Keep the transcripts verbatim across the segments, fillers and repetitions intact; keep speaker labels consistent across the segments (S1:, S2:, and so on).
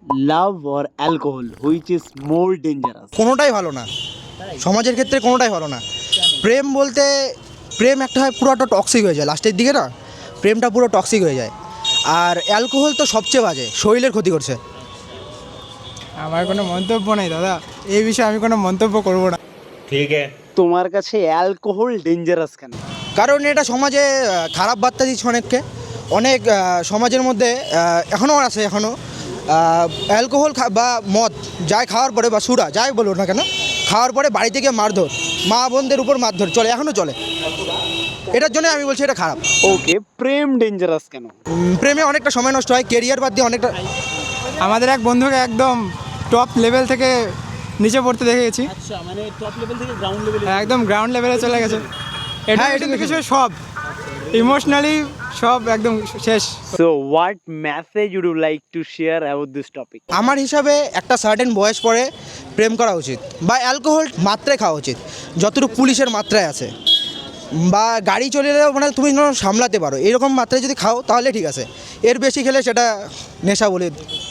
S1: Love or alcohol which is more dangerous?
S2: কোনোটাই ভালো না, সমাজের ক্ষেত্রে কোনোটাই ভালো না। প্রেম বলতে প্রেম একটা হয় পুরোটা টক্সিক হয়ে যায় লাস্টের দিকে না, প্রেমটা পুরো টক্সিক হয়ে যায়। আর অ্যালকোহল তো সবচেয়ে বাজে, শরীরের ক্ষতি করছে।
S3: আমার কোনো মন্তব্য নেই দাদা, এই বিষয়ে আমি কোনো মন্তব্য করব না।
S4: ठीक है।
S1: তোমার কাছে অ্যালকোহল ডেঞ্জারাস কেন?
S2: কারণ এটা সমাজে আহ, খারাপ বার্তা দিচ্ছে অনেককে। অনেক আহ, সমাজের মধ্যে এখনও আছে, এখনও অ্যালকোহল বা মদ যাই খাওয়ার পরে বা সুরা যাই বলো না কেন, খাওয়ার পরে বাড়ি থেকে মারধর, মা বোনদের উপর মারধর চলে, এখনও চলে। এটার জন্য আমি বলছি এটা খারাপ।
S1: ওকে, প্রেম ডেঞ্জারাস কেন?
S2: উম, প্রেমে অনেকটা সময় নষ্ট হয়, কেরিয়ার বাদ দিয়ে অনেকটা।
S3: আমাদের এক বন্ধুকে একদম টপ লেভেল থেকে নিচে পড়তে দেখে গেছি,
S1: আচ্ছা, মানে টপ লেভেল থেকে গ্রাউন্ড লেভেলে।
S3: একদম গ্রাউন্ড লেভেলে চলে গেছে। এটা
S2: হ্যাঁ,
S3: এটা
S2: education।
S3: কিছু সব ইমোশনালি সব একদম শেষ।
S1: So what message would you like to share about this topic?
S2: আমার হিসাবে একটা সার্টেন বয়স পরে প্রেম করা উচিত, বা অ্যালকোহল মাত্রায় খাওয়া উচিত যতটুকু পুলিশের মাত্রায় আছে, বা গাড়ি চলে এলেও মানে তুমি যেন সামলাতে পারো এরকম মাত্রায় যদি খাও তাহলে ঠিক আছে। এর বেশি খেলে সেটা নেশা বলে।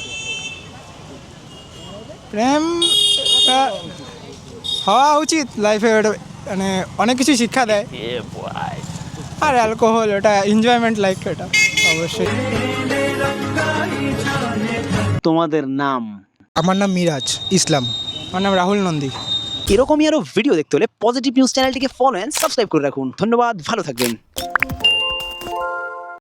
S3: প্রেম টা হওয়া উচিত লাইফে, ওটা মানে অনেক কিছু শিক্ষা দেয়। আর অ্যালকোহল ওটা এনজয়মেন্ট লাইফ, এটা অবশ্যই।
S1: তোমাদের নাম?
S2: আমার নাম মিরাজ ইসলাম।
S3: আমার নাম রাহুল নন্দী।
S1: এরকমই আরো ভিডিও দেখতে হলে পজিটিভ নিউজ চ্যানেলটিকে ফলো এন্ড সাবস্ক্রাইব করে রাখুন। ধন্যবাদ, ভালো থাকবেন।